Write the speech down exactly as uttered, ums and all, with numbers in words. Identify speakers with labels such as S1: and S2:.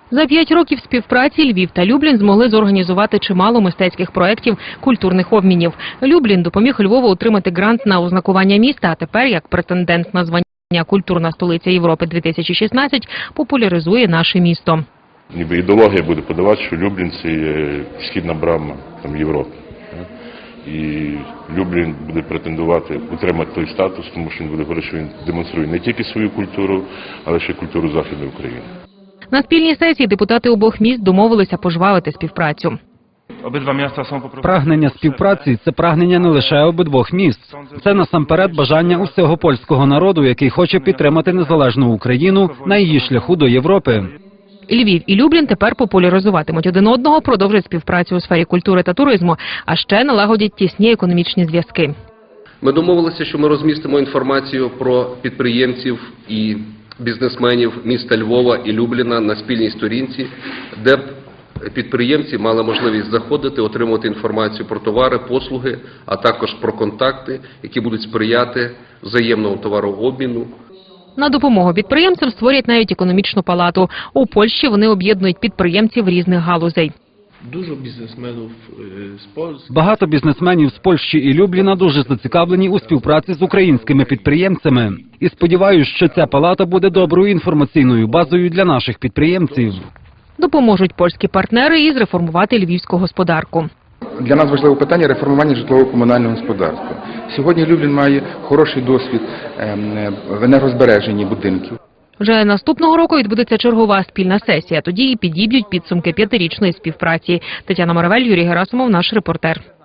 S1: За п'ять років співпраці Львів та Люблін змогли зорганізувати чимало мистецьких проєктів культурних обмінів. Люблін допоміг Львову отримати грант на ознакування міста, а тепер, як претендент на звання «Культурна столиця Європи дві тисячі шістнадцять», популяризує наше місто.
S2: Ніби ідеологія буде подавати, що Люблін – це є східна брама там, Європи. І Люблін буде претендувати утримати той статус, тому що він буде говорити, що він демонструє не тільки свою культуру, але ще й культуру Західної України.
S1: На спільній сесії депутати обох міст домовилися пожвавити співпрацю.
S3: Прагнення співпраці – це прагнення не лише обидвох міст. Це насамперед бажання усього польського народу, який хоче підтримати незалежну Україну на її шляху до Європи.
S1: Львів і Люблін тепер популяризуватимуть один одного, продовжать співпрацю у сфері культури та туризму, а ще налагодять тісні економічні зв'язки.
S4: Ми домовилися, що ми розмістимо інформацію про підприємців і бізнесменів міста Львова і Любліна на спільній сторінці, де б підприємці мали можливість заходити, отримувати інформацію про товари, послуги, а також про контакти, які будуть сприяти взаємному товарообміну.
S1: На допомогу підприємцям створять навіть економічну палату. У Польщі вони об'єднують підприємців різних галузей.
S3: Багато бізнесменів з Польщі і Любліна дуже зацікавлені у співпраці з українськими підприємцями. І сподіваюся, що ця палата буде доброю інформаційною базою для наших підприємців.
S1: Допоможуть польські партнери і зреформувати львівську господарку.
S5: Для нас важливе питання – реформування житлово-комунального господарства. Сьогодні Люблін має хороший досвід в енергозбереженні будинків.
S1: Вже наступного року відбудеться чергова спільна сесія. Тоді і підіб'ють підсумки п'ятирічної співпраці. Тетяна Моравель, Юрій Герасимов, наш репортер.